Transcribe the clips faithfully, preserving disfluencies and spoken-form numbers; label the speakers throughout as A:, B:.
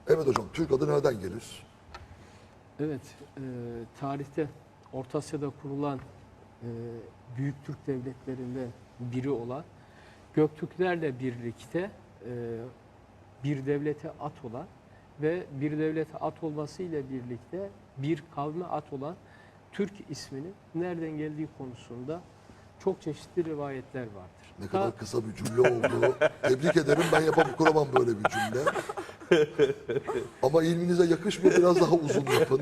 A: Evet hocam, Türk adı nereden gelir?
B: Evet, e, tarihte Orta Asya'da kurulan e, büyük Türk devletlerinden biri olan Göktürklerle birlikte e, bir devlete at olan ve bir devlete at olmasıyla birlikte bir kavme at olan Türk isminin nereden geldiği konusunda çok çeşitli rivayetler vardır.
A: Ne
B: Ta-
A: kadar kısa bir cümle oldu. Tebrik ederim, ben yapamam, kuramam böyle bir cümle. Ama ilminize yakışmıyor, biraz daha uzun yapın.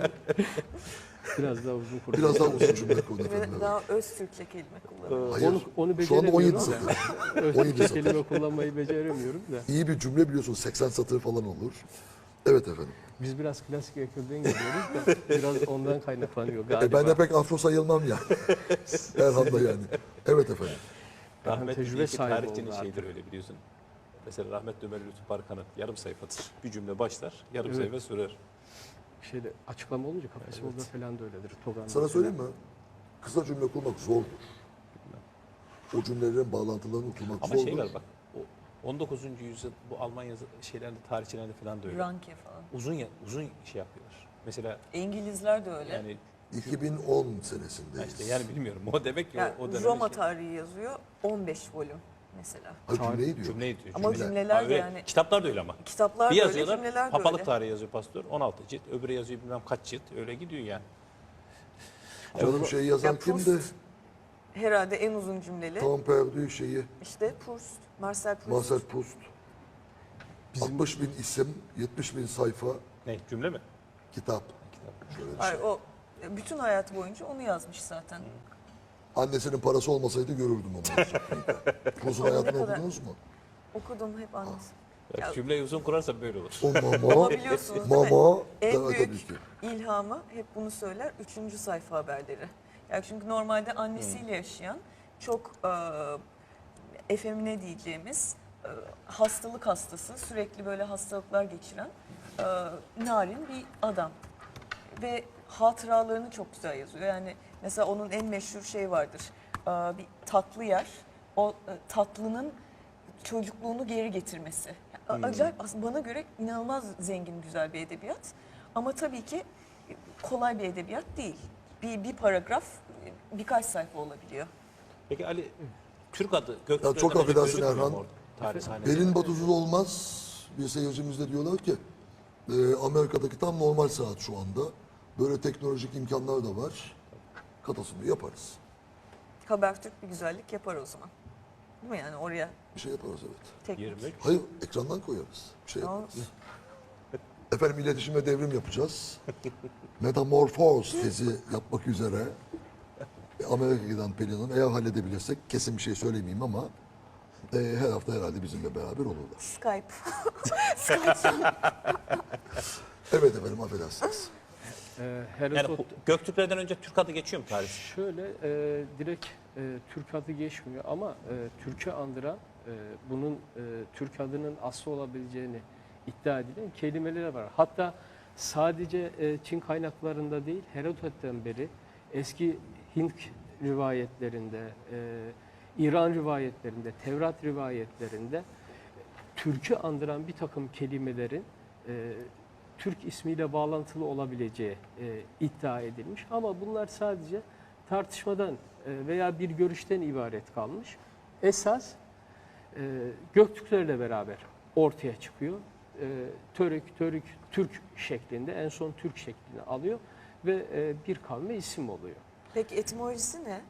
B: Biraz daha uzun kurdu.
A: Biraz daha uzun cümle kurun efendim.
C: Ve
A: evet.
C: daha öz Türkçe kelime kullanıyor.
A: Hayır,
B: Onu, onu
A: şu anda on yedi
B: beceremiyorum da.
A: satır.
B: Öz
A: on yedi
B: Türkçe
A: satır.
B: kelime kullanmayı beceremiyorum da.
A: İyi bir cümle biliyorsun, seksen satır falan olur. Evet efendim.
B: Biz biraz klasik ekolden geliyoruz da biraz ondan kaynaklanıyor galiba.
A: E ben de pek afro sayılmam ya. Erhan'da yani. Evet efendim.
D: Rahmetli
B: tecrübe
D: bir iki
B: sahibi
D: tarihçinin
B: oldu
D: şeyidir öyle biliyorsun. Mesela rahmetli Ömer Lütfü Barkan'ın yarım sayfadır. Bir cümle başlar, yarım
B: Evet.
D: sayfa sürer.
B: Şeyde açıklama olunca kafası orada falan da öyledir. Togan'da
A: Sana
B: falan.
A: söyleyeyim mi? Kısa cümle kurmak zordur. O cümlelerin bağlantılarını kurmak
D: Ama
A: zordur.
D: şey var bak, o on dokuzuncu yüzyıl bu Almanya şeylerinde, tarihçilerinde falan da öyle.
C: Ranke falan.
D: Uzun ya, uzun şey yapıyorlar. Mesela
C: İngilizler de öyle.
D: yani
A: iki bin on
D: ha
A: senesindeyiz.
D: işte yani bilmiyorum o demek ki
C: Yani
D: o, o dönem
C: Roma
D: şey,
C: tarihi yazıyor on beş volüm mesela.
A: Ha, cümleyi diyor.
D: cümleyi diyor.
C: Ama
D: cümle.
C: cümleler
D: Ha,
C: de
D: öyle.
C: yani
D: Kitaplar da öyle ama.
C: kitaplar
D: Bir
C: da öyle,
D: yazıyorlar,
C: cümleler de
D: papalık
C: öyle.
D: tarihi yazıyor pastör on altı cilt, öbürü yazıyor bilmem kaç cilt, öyle gidiyor yani.
A: Canım bu şeyi yazan
C: Ya
A: kimdi?
C: Proust herhalde en uzun cümleli.
A: Tam Perdue şeyi.
C: İşte Proust, Marcel Proust.
A: Marcel Proust. altmış bin isim, yetmiş bin sayfa
D: Ne, cümle mi?
A: kitap.
D: Kitap.
A: Şöyle bir
C: Hayır,
A: şey.
C: o bütün hayatı boyunca onu yazmış zaten.
A: Annesinin parası olmasaydı görürdüm onu. Proust'un hayatını
C: kadar-
A: okudunuz mu?
C: Okudum hep annesi.
D: Ya,
C: Ya-
D: cümleyi uzun kurarsan böyle olur.
A: O mama,
C: Ama biliyorsunuz değil mi?
A: mama,
C: En
A: tabii
C: büyük
A: ki.
C: ilhamı hep bunu söyler. Üçüncü sayfa haberleri. Yani çünkü normalde annesiyle yaşayan çok e, efemine diyeceğimiz e, hastalık hastası, sürekli böyle hastalıklar geçiren e, narin bir adam. Ve hatıralarını çok güzel yazıyor. Yani mesela onun en meşhur şey vardır. E, bir tatlı yer. O e, tatlının çocukluğunu geri getirmesi. A- Acayip aslında bana göre inanılmaz zengin, güzel bir edebiyat. Ama tabii ki kolay bir edebiyat değil. Bir, bir paragraf birkaç sayfa olabiliyor.
D: Peki Ali, Türk adı Göktürk'ten
A: Ya çok
D: önce
A: affedersin
D: gözükmüyor mu
A: Erhan.
D: orada? Tarih sahnesinde.
A: Belin batısız olmaz. Bir seyircimiz de diyorlar ki e, Amerika'daki tam normal saat şu anda. Böyle teknolojik imkanlar da var. Katasını yaparız.
C: Habertürk bir güzellik yapar o zaman. Değil mi yani oraya
A: Bir şey yaparız evet.
C: teknik.
D: yirmi üç.
A: Hayır, ekrandan koyarız. Bir şey
C: Tamam.
A: yaparız. Efendim iletişim ve devrim yapacağız. Metamorfoz tezi yapmak üzere Amerika'ya giden Pelin Hanım, eğer halledebilirsek, kesin bir şey söylemeyeyim ama e, her hafta herhalde bizimle beraber olurlar.
C: Skype.
A: Evet efendim, affedersiniz.
B: Ee,
D: Yani
B: Herodot
D: hu- Göktürklerden önce Türk adı geçiyor mu tarih?
B: şöyle e, direkt e, Türk adı geçmiyor ama e, Türk'ü andıran e, bunun e, Türk adının aslı olabileceğini iddia edilen kelimeler var. Hatta sadece e, Çin kaynaklarında değil, Herodot'tan beri eski Hint rivayetlerinde, e, İran rivayetlerinde, Tevrat rivayetlerinde Türk'ü andıran bir takım kelimelerin e, Türk ismiyle bağlantılı olabileceği e, iddia edilmiş. Ama bunlar sadece tartışmadan e, veya bir görüşten ibaret kalmış. Esas e, Göktürklerle beraber ortaya çıkıyor. E, Törük, Törük, Türk şeklinde, en son Türk şeklini alıyor ve e, bir kavme isim oluyor.
C: Peki etimolojisi ne?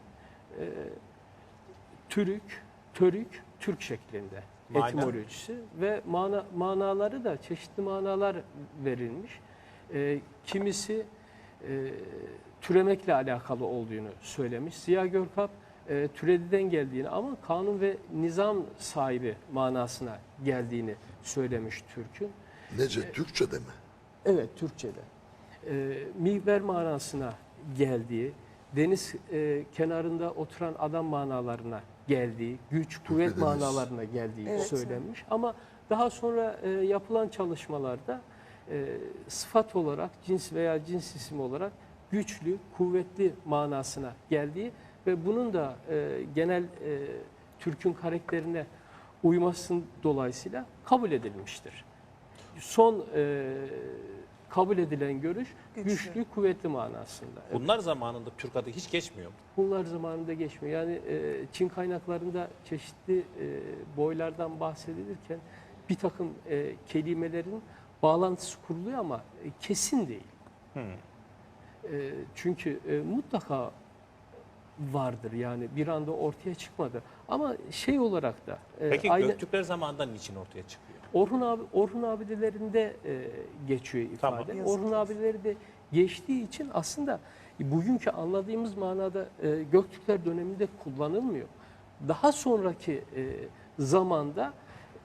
B: Türük, Törük, Türk şeklinde
D: Mana?
B: etimolojisi ve mana, manaları da çeşitli manalar verilmiş. Ee, kimisi e, türemekle alakalı olduğunu söylemiş. Ziya Görkap e, türediden geldiğini ama kanun ve nizam sahibi manasına geldiğini söylemiş Türk'ün.
A: Nece, Türkçe'de mi?
B: Evet, Türkçe'de. E, mihver manasına geldiği, deniz e, kenarında oturan adam manalarına geldiği, güç, kuvvet
A: Deniz.
B: manalarına geldiği
C: Evet.
B: söylenmiş. Ama daha sonra e, yapılan çalışmalarda e, sıfat olarak, cins veya cins isim olarak güçlü, kuvvetli manasına geldiği ve bunun da e, genel e, Türk'ün karakterine uymasının dolayısıyla kabul edilmiştir. son e, kabul edilen görüş
C: Güçlü.
B: güçlü, kuvvetli manasında.
D: Bunlar zamanında Türk adı hiç geçmiyor mu?
B: Bunlar zamanında geçmiyor. Yani e, Çin kaynaklarında çeşitli e, boylardan bahsedilirken bir takım e, kelimelerin bağlantısı kuruluyor ama e, kesin değil.
D: Hmm.
B: E, çünkü e, mutlaka vardır yani bir anda ortaya çıkmadı. Ama şey olarak da e,
D: Peki
B: aynı
D: Göktürkler zamanında niçin ortaya çıkıyor?
B: Orhun abi Orhun abidelerinde e, geçiyor ifade.
D: Tamam.
C: Yazık.
B: Orhun abileri de geçtiği için aslında bugünkü anladığımız manada e, Göktürkler döneminde kullanılmıyor. Daha sonraki e, zamanda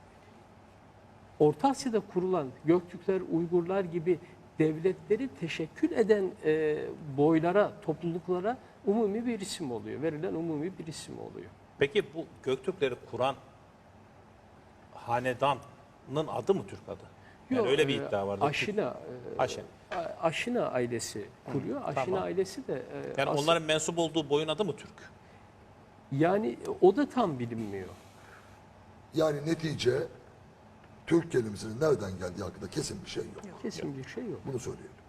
B: Orta Asya'da kurulan Göktürkler, Uygurlar gibi devletleri teşekkül eden e, boylara, topluluklara umumi bir isim oluyor. Verilen umumi bir isim oluyor.
D: Peki bu Göktürkleri kuran hanedanın adı mı Türk adı? Yani
B: Yok,
D: öyle bir
B: e,
D: iddia vardı.
B: Aşina, e,
D: Aşin.
B: A- Aşina ailesi kuruyor. Aşina
D: tamam.
B: ailesi de e,
D: Yani
B: asıl-
D: onların mensup olduğu boyun adı mı Türk?
B: yani o da tam bilinmiyor.
A: Yani netice Türk kelimesinin nereden geldiği hakkında kesin bir şey yok.
B: Kesin bir şey yok.
A: Bunu söyleyelim.